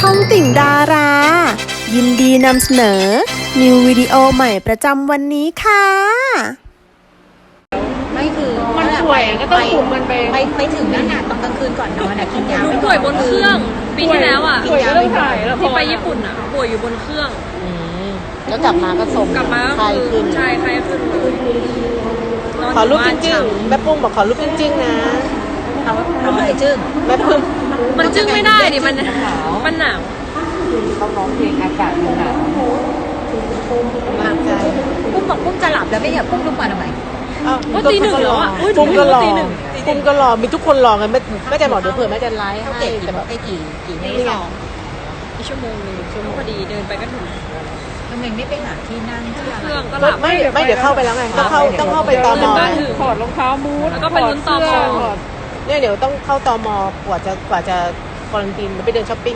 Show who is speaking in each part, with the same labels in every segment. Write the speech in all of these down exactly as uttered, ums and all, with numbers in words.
Speaker 1: องติ่งดารา ยินดีนำเสนอ นิววิดีโอใหม่ประจำวันนี้ค่ะ
Speaker 2: ไม่คือ
Speaker 3: มันป่วยก็ต้องคุมมันไป
Speaker 2: ไปไปถึงนั่นน่ะตอนกลางคืนก่อนนอนน่ะกินยา
Speaker 4: หนู
Speaker 2: ไว้
Speaker 4: ป่วยบนเครื่องปีที่แล้วอ่ะ
Speaker 3: ป่วยก็ต้องถ่ายแล้ว
Speaker 4: ที่ไปญี่ปุ่นอ่ะป่วยอยู่บนเครื่อง
Speaker 5: อืมแล้วกลับมาก็ส่ง
Speaker 4: กลับมาก็
Speaker 5: ไข้
Speaker 4: คือ
Speaker 5: ขึ้น
Speaker 4: ใช่ไข้ขึ้นเลยนน
Speaker 5: ขอรูปจ
Speaker 4: ยู่
Speaker 5: ริง
Speaker 4: บ้าน
Speaker 5: ๆแม่ปุ้มบอกขอรูปจริงๆนะ
Speaker 2: เอาเอาเลยจึ้ง
Speaker 5: แม่ปุ้ม
Speaker 4: ๆมันจึ้งไม่ได้ดิมันมันหนาว
Speaker 3: เขาร้องเพลงอากาศมันหนาว
Speaker 5: กำลังใจ
Speaker 2: ปุ้มบอกปุ้มจะหลับแล้วไม่อยากปุ้มทุกวันทำไม
Speaker 5: อ้าว
Speaker 4: ก็ตีหนึ่งแล้วอ่ะอุ๊ย
Speaker 5: ปุ้มก็รอ
Speaker 4: ตีหนึ่ง
Speaker 5: ปุ้มก็รอมีทุกคนรอไงแม่แม่จะบอกเดี๋ยวเผื่อแม่จะไลฟ์
Speaker 2: เขา
Speaker 5: ให้
Speaker 2: เก็บกี่
Speaker 5: แต่แบบ
Speaker 2: ไอ้กี่กี่เม
Speaker 4: ตี
Speaker 2: ตร
Speaker 4: สองอีกชั่วโมงหนึงชั่วโมงพอดีเดินไปก็ถึง
Speaker 2: ทำไมไม่ไปหาที่นั่งที่
Speaker 4: เครื่องก็ห
Speaker 5: ไม่
Speaker 4: ลับ
Speaker 5: ไม่ไม่เดี๋ยวเข้าไปแล้วไงต้องเข้าต้องเข้าไปตม
Speaker 4: บ้านถึง
Speaker 3: ถอดรองเท้ามูด
Speaker 4: แล้วก็ไปลุ้นตม
Speaker 3: ถอดเสื้อถอด
Speaker 5: เนี่ยเดี๋ยวต้องเข้าตมกว่าจะกว่าจะควอรันทีนไปเดินช้อปปิ้ง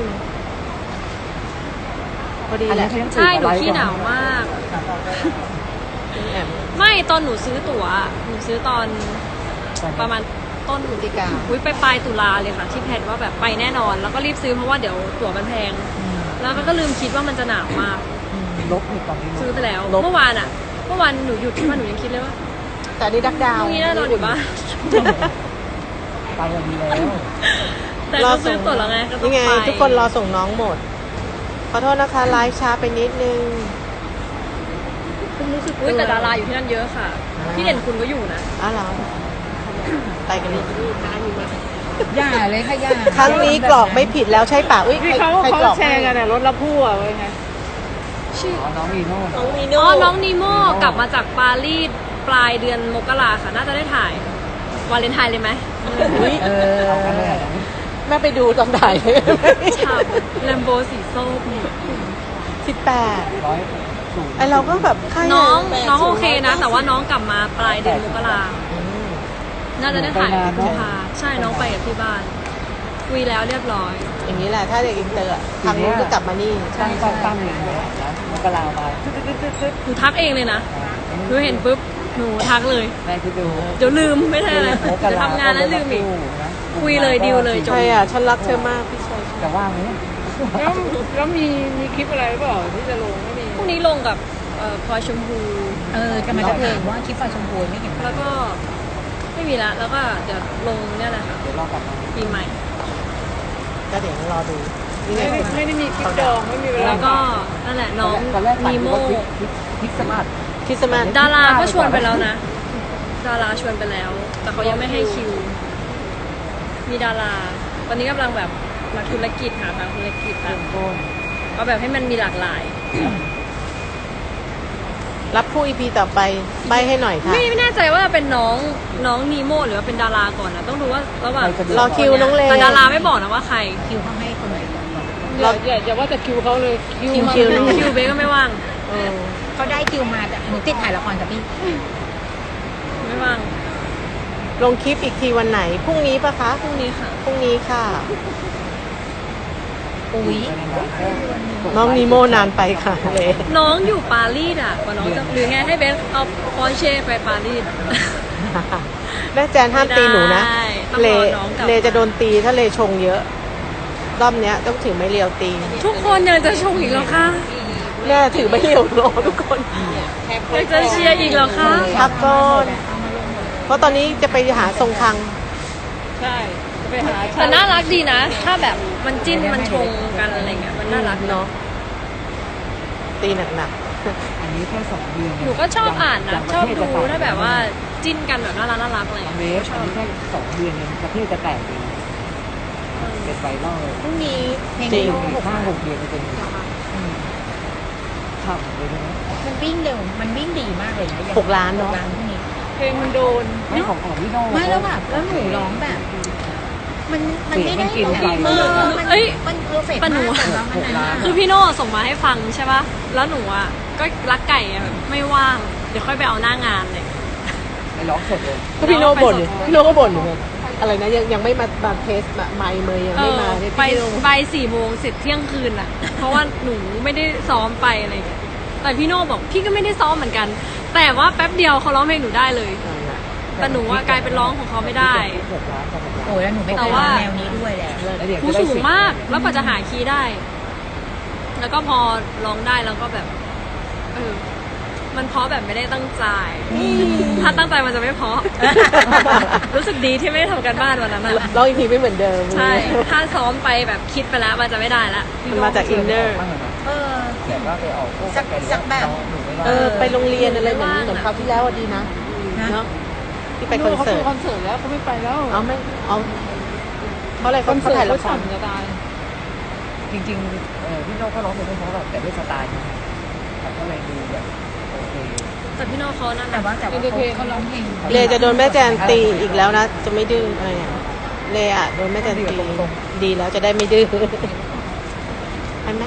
Speaker 5: พอดีแหละ
Speaker 4: ใช่หนูขี้หนาวมาก
Speaker 5: แอบ
Speaker 4: ไม่ตอนหนูซื้อตั๋วอะหนูซื้อตอนประมาณต้น
Speaker 5: พฤศจิกา
Speaker 4: อุ้ยไปปลายตุลาเลยค่ะที่แพลนว่าแบบไปแน่นอน แล้วก็รีบซื้อเพราะว่าเดี๋ยวตั๋วมันแพง แล้วก็ลืมคิดว่ามันจะหนาวมาก
Speaker 3: ลบอีกตอนนี้
Speaker 4: ซื้อไปแล้ว เมื่อวานอ่ะ เมื่อวานหนูหยุดที่บ้านหนูยังคิดเลยว่า
Speaker 5: แต่อันนี่ดักดา
Speaker 4: พ
Speaker 5: ว
Speaker 4: รุ่งนี้น่านอนอยู่บ้าน
Speaker 3: ไปวันนี้แล้ว
Speaker 4: แต่ก็ซื้อตั๋วแล้วไงก็ต้อง
Speaker 5: นี่ไง
Speaker 4: ไป
Speaker 5: ทุกคนรอส่งน้องหมด ขอโทษนะคะไลฟ์ช้าไปนิดนึง
Speaker 4: อุ้ยแต่ดาราอยู่ที่นั่นเยอะค่ะ พี่เด่นคุณก็อยู่นะ
Speaker 5: อ้าวเหรอไปกันเลย
Speaker 2: ย่าเลยค่ะย่า
Speaker 5: ครั้งนี้กรอกไม่ผิดแล้วใช่ป่ะอุ้ย
Speaker 3: ที่
Speaker 5: ใคร
Speaker 3: เขา
Speaker 5: ใคร
Speaker 3: เขา
Speaker 5: กรอก
Speaker 3: แชร์กันน่ะรถละพู่อ่ะไว้ไง
Speaker 4: ชื่อ
Speaker 3: น้องอีโน่
Speaker 5: น้องมี
Speaker 4: อ๋
Speaker 5: โน่
Speaker 4: อน้องนีโม่กลับมาจากปารีสปลายเดือนมกราค่ะ น่าจะได้ถ่ายวาเลนไทน์เลยไหม
Speaker 5: อุ๊ย
Speaker 2: เออ
Speaker 5: แม่ไปดูตอนถ่าย
Speaker 4: ฉ่ำแลมโบสีส้ม
Speaker 5: สิบแปด
Speaker 3: ร้อยสูง
Speaker 5: ไอเราก็แบบใคระ
Speaker 4: น้อง
Speaker 5: แปด
Speaker 4: น้อง
Speaker 5: สิบ
Speaker 4: โอเคนะ แต่ว่าน้องกลับมาปลายเดือนมกรา
Speaker 5: อืม
Speaker 4: น่าจะได้ถ่ายกุมภาใช่น้องไปกับที่บ้าน คุยแล้วเรียบร้อย
Speaker 5: อย่างนี้แหละถ้าเด็กอินเตอร์อะทางนู้นก็กลับมานี่
Speaker 3: ตั้งตั้งตั้งอย่างเงี้ยนะมันก็ลาวมาตึ๊ดตึ๊ดตึ๊ดตึ๊ด
Speaker 4: หนูทักเองเลยนะหนูเห็นปุ๊บหนูทักเลย
Speaker 3: แม่คิดดู
Speaker 4: เดี๋ยวลืมไม่ใช่อะไรเดี๋ยวทำงานแล้วลืมอีก คุยเลยดีลเลยจบ
Speaker 5: ใช่อ่ะฉันรักเธอมากพี่ชาย
Speaker 3: แต่ว่าไหมแล้วแล้วมีมีคลิปอะไรเปล่าที่จะลงไม่มี
Speaker 4: พรุ่งนี้ลงกับเอ่อพลอยชมพู
Speaker 2: เออกำลังจะถามว่าคลิปไฟชมพูไม่เห็น
Speaker 4: แล้วก็ไม่มีละแล้วก็เดี๋ยวลงเนี่ยแหละค่ะ
Speaker 3: เดี๋ยวรอกลับมา
Speaker 4: ปีใหม่
Speaker 5: ก็เดี๋ยวรอดูนี่ไง
Speaker 3: ไม่ได้ไม่ได้มีคลิปดองไม่มีเวลา
Speaker 4: แล้วก็นั่นแหละน้อง
Speaker 3: ตอนแรก
Speaker 4: นีโม่
Speaker 3: คลิปสมาร์ท
Speaker 5: คริสต์มาส
Speaker 4: ดาราก็ชวนไปแล้วนะ ดาราชวนไปแล้ว แต่เขายังไม่ให้คิว มีดารา ตอนนี้กำลังแบบนักธุรกิจหาทางธุรกิจแบบ
Speaker 3: ต้น
Speaker 4: เอาแบบให้มันมีหลากหลาย
Speaker 5: รับผู้อีพีต่อไปใบให้หน่อยค่ะ
Speaker 4: ไม่ไม่แน่ใจว่าเป็นน้องน้องนีโม่หรือว่าเป็นดาราก่อนนะต้องดูว่าระหว่าง
Speaker 5: รอคิวน้องเล
Speaker 4: แต่ดาราไม่บอกนะว่าใคร
Speaker 2: คิวเขาให้คนไหนก่อน
Speaker 3: อย่าอย่าอย่าว่าแต่คิวเขาเลยคิว
Speaker 5: คิว
Speaker 3: มา
Speaker 5: คิวน้อง
Speaker 4: คิวเบสก็ไม่ว่าง
Speaker 5: เออ
Speaker 2: เขาได้คิวมาแต่หนูติดถ่ายละครกับพี่
Speaker 4: ไม่ว่าง
Speaker 5: ลงคลิปอีกทีวันไหนพรุ่งนี้ปะคะ
Speaker 4: พรุ่งนี้ค่ะ
Speaker 5: พรุ่งนี้ค่ะ
Speaker 2: อุ้ย
Speaker 5: น้องนีโมนานไปค่ะเลย
Speaker 4: น้องอยู่ปารีสอ่ะกว่าน้องจะหรือไงให้เบสเอาปอร์เช่ไปปารีส
Speaker 5: แม่แจนห้ามตีหนูนะ
Speaker 4: ไม่ได้ต้อง
Speaker 5: เล
Speaker 4: รอน้องกลับ
Speaker 5: เลจะโดนตีถ้าเลชงเยอะ รอบเนี้ยต้องถือไม้เรียวตี
Speaker 4: ทุกคนยังจะชงอีกแล้วค่ะ
Speaker 5: แน่ถือไม้เรียวรอทุกคน
Speaker 4: ยังจะเชียร์อีกแล้วค่ะ
Speaker 5: พักก่อนเพราะตอนนี้จะไปหาทรงคัง
Speaker 3: ใช่จะไปหา
Speaker 4: แต่น่ารักดีนะ ถ้าแบบมันจิ้นมันชงกันอะไรเงี้ยมันน่ารัก
Speaker 5: เนาะตีหนัก
Speaker 3: อันนี้แค่สองเดือน
Speaker 4: หนูก็ชอบอ่านนะชอบดูถ้าแบบว่าจิ้นกันแบบน่ารักน่ารักอะไร
Speaker 3: เว
Speaker 4: เงี้ย
Speaker 3: ฟอันนี้แค่สองเดือนเองประเทศจะแตกเองเป็นไวรัลเลย
Speaker 2: พรุ่งนี้เพลง
Speaker 5: จริง
Speaker 2: หก
Speaker 3: ห้าหกเดือนจะเป็นทำเลยนะ
Speaker 2: มันวิ่งเร็วมันวิ่งดีมากเลยนะ
Speaker 5: หกล้านเนอะ
Speaker 2: หกล้านพรุ่งนี้
Speaker 3: เพลงมันโดนไม่ของของพี่โน่
Speaker 2: ไม่แล้วแบบแล้วหนูร้องแบบ มันมันไม่ได้
Speaker 3: เสียงมันกิน
Speaker 2: เออ
Speaker 3: ใจ
Speaker 2: มัน
Speaker 4: เอ้ย
Speaker 2: มันเพอร์เฟกต์
Speaker 4: ปะหนู
Speaker 2: มากสำหรับมันนั้น
Speaker 4: คือพี่โน่ส่งมาให้ฟังใช่ป่ะแล้วหนูอ่ะก็รักไก่อะแบบไม่ว่างเดี๋ยวค่อยไปเอาหน้างานเลย
Speaker 3: ไปร้องสดเลย
Speaker 5: ๆก็พี่โนบ่นอยู่พี่โนก็บ่นอยู่อะไรนะยังยังไม่มามาเทสมาไมค์เมย์ยัง
Speaker 4: เอ
Speaker 5: ไม่
Speaker 4: อ
Speaker 5: มาเนี่ย
Speaker 4: ไป
Speaker 5: พี่โน
Speaker 4: ไปสี่โมงเสร็จเที่ยงคืนอ่ะ เพราะว่าหนูไม่ได้ซ้อมไปอะไรอย่างเงี้ยแต่พี่โน่บอกพี่ก็ไม่ได้ซ้อมเหมือนกัน แต่ว่าแป๊บเดียวเขาร้องเพลงหนูได้เลย แต่หนูว่ากลายเป็นร้องของเขาไม่ได้
Speaker 3: หกล้าน
Speaker 2: โอ้ยแล้วหนูไม่เคยร้องแนวนี้ด้วยแหละ
Speaker 3: แล้วเดี๋ยว
Speaker 4: หู
Speaker 3: จะได้
Speaker 4: สูง
Speaker 3: สิบ
Speaker 4: มาก แล้วกว่าจะหาคีย์ได้แล้วก็พอร้องได้แล้วก็แบบเออมันเพราะแบบไม่ได้ตั้งใจ ถ้าตั้งใจมันจะไม่เพราะ รู้สึกดีที่ไม่ได้ทำการบ้านวันนั้นอะ
Speaker 5: ร้องอีกทีไม่เหมือนเดิม
Speaker 4: ใช่ ถ้าซ้อมไปแบบคิดไปแล้วมันจะไม่ได้ละ
Speaker 5: มันมาจากอินเนอร์
Speaker 3: บ้างเหรอครับ
Speaker 2: เออ
Speaker 3: แต่ว่าไปออกพวก
Speaker 2: สัก
Speaker 3: ไป
Speaker 2: สักแบบ
Speaker 3: หนูไม่ว่า
Speaker 5: เออ ไปโรงเรียนอะไรเหมือนเหมือนคราวที่แล้วอะดีนะ
Speaker 2: นะ
Speaker 5: เนาะที่ไปคอนเสิร์ต
Speaker 6: คอนเสิร์ตแล้วเขาไม่ไปแล้ว
Speaker 5: เอาไม่เอาเพราะอะไรเขาเขาถ่ายละคร
Speaker 6: จะตาย
Speaker 3: จริงๆเออพี่โน้องเขาร้องเพลงไม่เพราะหรอกแต่ด้วยสไตล์เขาก็เลยดูแบบโอเค
Speaker 4: แต่พี่โน้เขานั่น
Speaker 2: แต่ว่าแต่ว่า
Speaker 6: เอเเขาร้องเพลง
Speaker 5: เลจะโดนแม่แจนตีอีกแล้วนะ จะไม่ดื้ออะไรเนี่ยเลอะโดนแม่แจนตีดีแล้วจะได้ไม่ดื้อเห็นไหม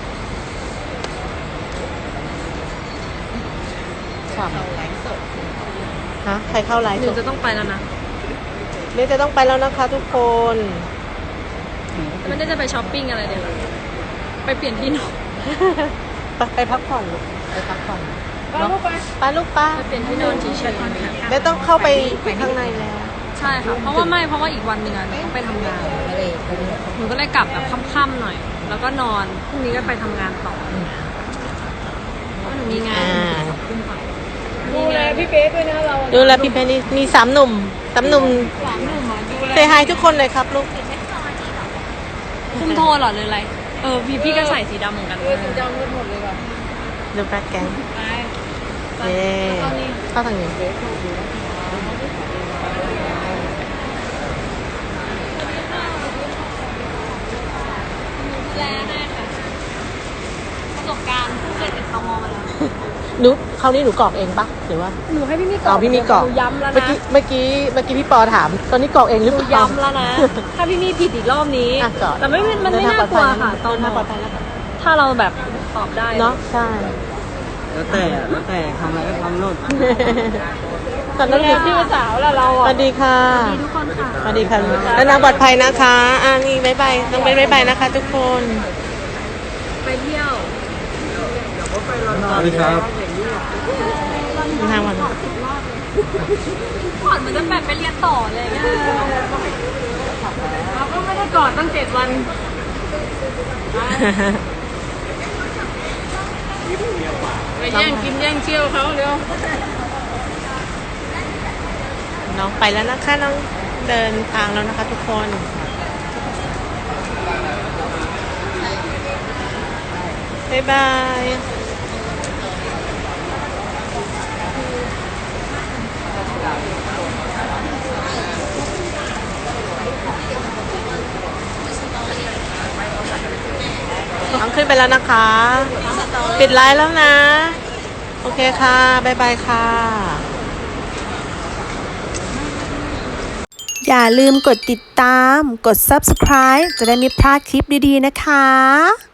Speaker 5: ฉ่ำฮะใครเข้าไลฟ์
Speaker 4: ห
Speaker 5: ส
Speaker 4: นู
Speaker 5: ด
Speaker 4: จะต้องไปแล้วนะ
Speaker 5: เลจะต้องไปแล้วนะคะทุกคน
Speaker 4: ไม่ได้จะไปช้อปปิ้งอะไรเลย ไปเปลี่ยนที่นอน
Speaker 5: ไปไปพักผ่อนลูกไปพักผ่อน
Speaker 6: ไปลูกไป
Speaker 5: ไปลูกป้า
Speaker 4: ไปเปลี่ยนที่นอนเฉย
Speaker 5: ไม่ต้องเข้าไปข้างในแล้ว
Speaker 4: ๆใช่ค่ะ เพราะว่าไม่เพราะว่าอีกวันหนึ่งอะหนูต้องไปทำงาน หนูก็เลยกลับแบบค่ำๆหน่อย แล้วก็นอนพรุ่งนี้ก็ไปทำงานต่อเพราะหนูมีงาน
Speaker 5: อ่า
Speaker 6: ดูแลพี่เบสด้วยนะเรา
Speaker 5: ดูแลพี่เพนนี่มีสามหนุ่มสามหนุ่ม
Speaker 6: สามหนุ่มอ่ะดูแล
Speaker 5: เซฮายทุกคนเลยครับลูก
Speaker 4: คุมโทนเหรอหรืออะไร เออพี่พี่ก็ใส่สีดำเหมือนกัน
Speaker 6: เออสีดำกันหมดเลยว่ะ
Speaker 5: ดูแบล็คแกง
Speaker 6: ไป
Speaker 5: เย้เข้าทางนี้
Speaker 4: แลได้ค่ะประสบการณ์เคยติดตมมาแล้ว
Speaker 5: หนูคราวนี้หนูกรอกเองปะหรือว่า
Speaker 4: หนูให้พี่มีกร
Speaker 5: อ๋
Speaker 4: อ
Speaker 5: อบ พี่มีกรอก
Speaker 4: หนูย้ำแล้ว
Speaker 5: เมื่อ
Speaker 4: นะ
Speaker 5: กี้เมื่อกี้เมื่อกี้พี่ปอถาม ตอนนี้กรอกเองหรือ
Speaker 4: หนู
Speaker 5: เปล่า
Speaker 4: ย้ำแล้วนะ ถ้าพี่มีผิดอีกรอบนี้
Speaker 5: อ่ะกรอก
Speaker 4: แต่ไม่มันไม่น่ากลัวค่ะ ตอน
Speaker 5: น่าปลอดภัยแล้วค่ะ
Speaker 4: ถ้าเราแบบตอบได้
Speaker 5: เนาะใช่
Speaker 3: แล้วแต่แล้วแต่ทำอะไรก็ทำโลด
Speaker 5: ตอนนั้น
Speaker 6: แล้
Speaker 5: คือ
Speaker 6: พี่สาวแล้วเรา
Speaker 5: ส
Speaker 6: อ่ะ
Speaker 5: วัสดีค่ะ
Speaker 4: ดีทุกคนค่ะ
Speaker 5: สวัสดีค่ะแล้วนางปลอดภัยนะคะอ่านี่บายบายต้องเป็นบายบายนะคะ ทุกคน
Speaker 4: ไปเที่ยว
Speaker 3: สวัสดีครับ
Speaker 5: ทางวัน
Speaker 4: ก่อนมันจะแบบไปเรียนต่อเลยเนี่ยเราก็ไม่ได้กอดตั้งเจ็ดวัน
Speaker 6: ไปแย่งกินแย่งเชี่ยวเขาเร็ว
Speaker 5: น้องไปแล้วนะคะน้องเดินทางแล้วนะคะทุกคนบ๊ายบายน้องขึ้นไปแล้วนะคะ ปิดไลน์แล้วนะ โอเคค่ะบ๊ายบายค่ะ
Speaker 1: อย่าลืมกดติดตาม กด ซับสไครบ์ จะได้ไม่พลาดคลิปดีๆนะคะ